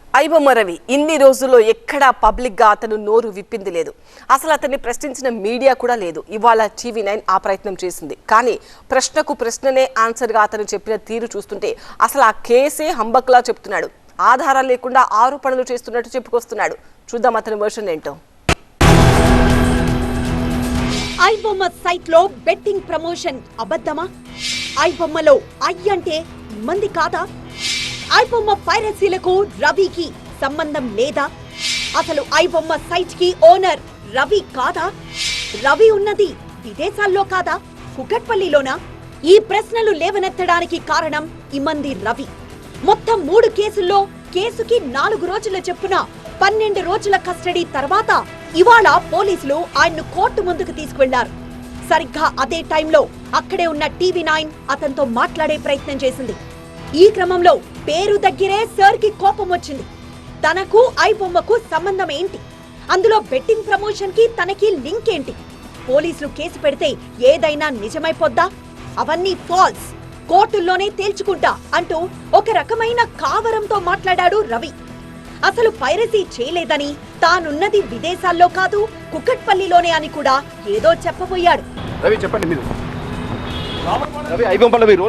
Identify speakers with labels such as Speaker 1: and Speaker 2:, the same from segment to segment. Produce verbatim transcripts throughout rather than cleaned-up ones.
Speaker 1: ఐబొమ్మ రవి ఇన్ని రోజుల్లో ఎక్కడా పబ్లిక్ గా అతను నోరు విప్పింది లేదు. అసలు అతన్ని ప్రశ్నించిన మీడియా కూడా లేదు. ఇవాళ టీవీ నైన్ ఆ ప్రయత్నం చేసింది. కానీ ప్రశ్నకు ప్రశ్ననే ఆన్సర్ గా అతను చెప్పిన తీరు చూస్తుంటే అసలు ఆ కేసే హంబక్లా చెప్తున్నాడు. ఆధారాలు లేకుండా ఆరోపణలు చేస్తున్నట్టు చెప్పుకొస్తున్నాడు. చూద్దాం అతని వర్షన్ ఏంటో.
Speaker 2: ఐబొమ్మ సైట్ లో బెట్టింగ్ ప్రమోషన్ అబద్ధమా? ఐబొమ్మలో ఐ అంటే మంది కాదా? ఐబొమ్మ పైరసీలకు రవికి సంబంధం లేదా? అసలు ఐబొమ్మ సైట్ కి ఓనర్ రవి కాదా? రవి ఉన్నది విదేశాల్లో కాదా, కుకట్పల్లిలోనా? ఈ ప్రశ్నలు లేవనెత్తడానికి కారణం ఇమంది రవి. మొత్తం మూడు కేసుల్లో కేసుకి నాలుగు రోజుల చెప్పున పన్నెండు రోజుల కస్టడీ తర్వాత ఇవాళ పోలీసులు ఆయన్ను కోర్టు ముందుకు తీసుకువెళ్లారు. సరిగ్గా అదే టైంలో అక్కడే ఉన్న టీవీ నైన్ అతనితో మాట్లాడే ప్రయత్నం చేసింది. ఈ క్రమంలో పేరు దగ్గరే సర్ కి కోపం వచ్చింది. తనకు ఐబొమ్మకు సంబంధం ఏంటి? అందులో బెట్టింగ్ ప్రమోషన్ కి తనకి లింక్ ఏంటి? పోలీసులు కేసు పెడితే ఏదైనా నిజమైపోద్దా? అవన్నీ ఫాల్స్, కోర్టుల్లోనే తేల్చుకుంటా అంటూ ఒక రకమైన కావరంతో మాట్లాడాడు రవి. అసలు పైరసీ చేయలేదని, తానున్నది విదేశాల్లో కాదు కుకట్పల్లిలోనే అని కూడా ఏదో చెప్పబోయాడు.
Speaker 3: రవి చెప్పండి మీరు. రవి ఐబొమ్మల మీరు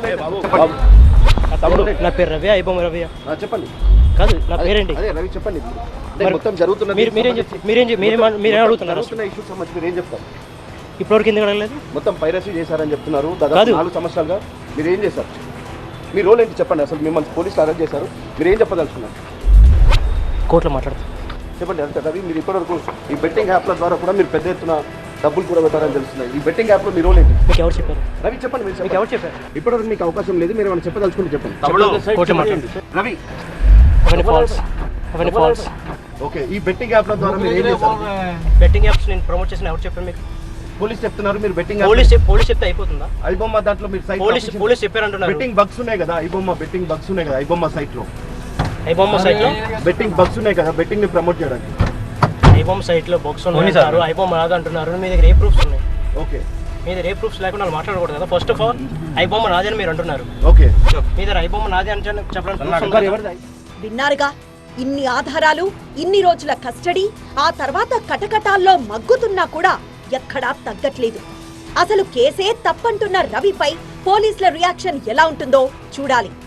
Speaker 4: నా పేరు రవి, ఐబొమ్మ రవి.
Speaker 3: చెప్పండి.
Speaker 4: కాదు నా పేరేంటి?
Speaker 3: అదే రవి చెప్పండి. మొత్తం జరుగుతున్నది
Speaker 4: మీరు మీరేం చెప్తారు? మీరేం మీరేం అడుగుతున్నారు?
Speaker 3: ఇష్యూస్ సంబంధించి మీరు ఏం చెప్తారు?
Speaker 4: ఇప్పటివరకు ఎందుకు అడగలేదు?
Speaker 3: మొత్తం పైరసీ చేశారని చెప్తున్నారు. దాదాపు నాలుగు సంవత్సరాలుగా మీరు ఏం చేశారు? మీ రోల్ ఏంటి చెప్పండి. అసలు మిమ్మల్ని పోలీసులు అరెస్ట్ చేశారు, మీరు ఏం చెప్పదలుచుకున్నారు?
Speaker 4: కోర్టులో మాట్లాడతారు.
Speaker 3: చెప్పండి. అంతే రవి, మీరు ఇప్పటివరకు ఈ బెట్టింగ్ యాప్ల ద్వారా కూడా మీరు పెద్ద ఎత్తున డబ్బులు కూడా పెట్టారని తెలుస్తున్నాయి. ఈ బెట్టింగ్ యాప్లో మీ రోల్ ఏంటి?
Speaker 4: మీకు ఎవరు చెప్పారు?
Speaker 3: రవి చెప్పండి. మీరు
Speaker 4: మీకు ఎవరు చెప్పారు?
Speaker 3: ఇప్పటివరకు మీకు అవకాశం లేదు, మీరు ఏమైనా చెప్పదలుచుకుంటే చెప్పండి.
Speaker 4: కోర్టులో మాట్లాడండి.
Speaker 3: రవి
Speaker 4: అవన్నీ ఫాల్స్, అవన్నీ ఫాల్స్.
Speaker 3: ఓకే, ఈ బెట్టింగ్ యాప్ల ద్వారా మీరు ఏం చేశారు?
Speaker 4: బెట్టింగ్ యాప్స్ నేను ప్రమోట్ చేసిన ఎవరు చెప్పారు మీకు?
Speaker 3: పోలీస్ చెప్తున్నారు. మీరు బెట్టింగ్
Speaker 4: పోలీస్ పోలీస్ చెప్తే అయిపోతుందా?
Speaker 3: ఐబొమ్మ దాంట్లో మీరు సైట్
Speaker 4: పోలీస్ పోలీస్ చెప్పారంటున్నారు.
Speaker 3: బెట్టింగ్ బగ్స్ ఉన్నాయి కదా ఐబొమ్మ, బెట్టింగ్ బగ్స్ ఉన్నాయి కదా ఐబొమ్మ సైట్ లో.
Speaker 4: ఐబొమ్మ సైట్ లో
Speaker 3: బెట్టింగ్ బగ్స్ ఉన్నాయి కదా, బెట్టింగ్ ని ప్రమోట్ చేయడానికి.
Speaker 4: ఐబొమ్మ సైట్ లో బగ్స్ ఉన్నారు, ఐబొమ్మ రాదు అంటున్నారు. మీ దగ్గర ఏ ప్రూఫ్స్ ఉన్నాయి?
Speaker 3: ఓకే,
Speaker 4: మీ దగ్గర ఏ ప్రూఫ్స్ లేకుండా మాట్లాడకూడదు కదా. ఫస్ట్ ఆఫ్ ఆల్ ఐబొమ్మ నాది అని మీరు అంటున్నారు.
Speaker 3: ఓకే,
Speaker 4: మీ దగ్గర ఐబొమ్మ నాది అని చెప్పడానికి
Speaker 2: విన్నారుగా, ఇన్ని ఆధారాలు, ఇన్ని రోజుల కస్టడీ, ఆ తర్వాత కటకటాల్లో మగ్గుతున్నా కూడా ఎక్కడా తగ్గట్లేదు. అసలు కేసే తప్పంటున్న రవిపై పోలీసుల రియాక్షన్ ఎలా ఉంటుందో చూడాలి.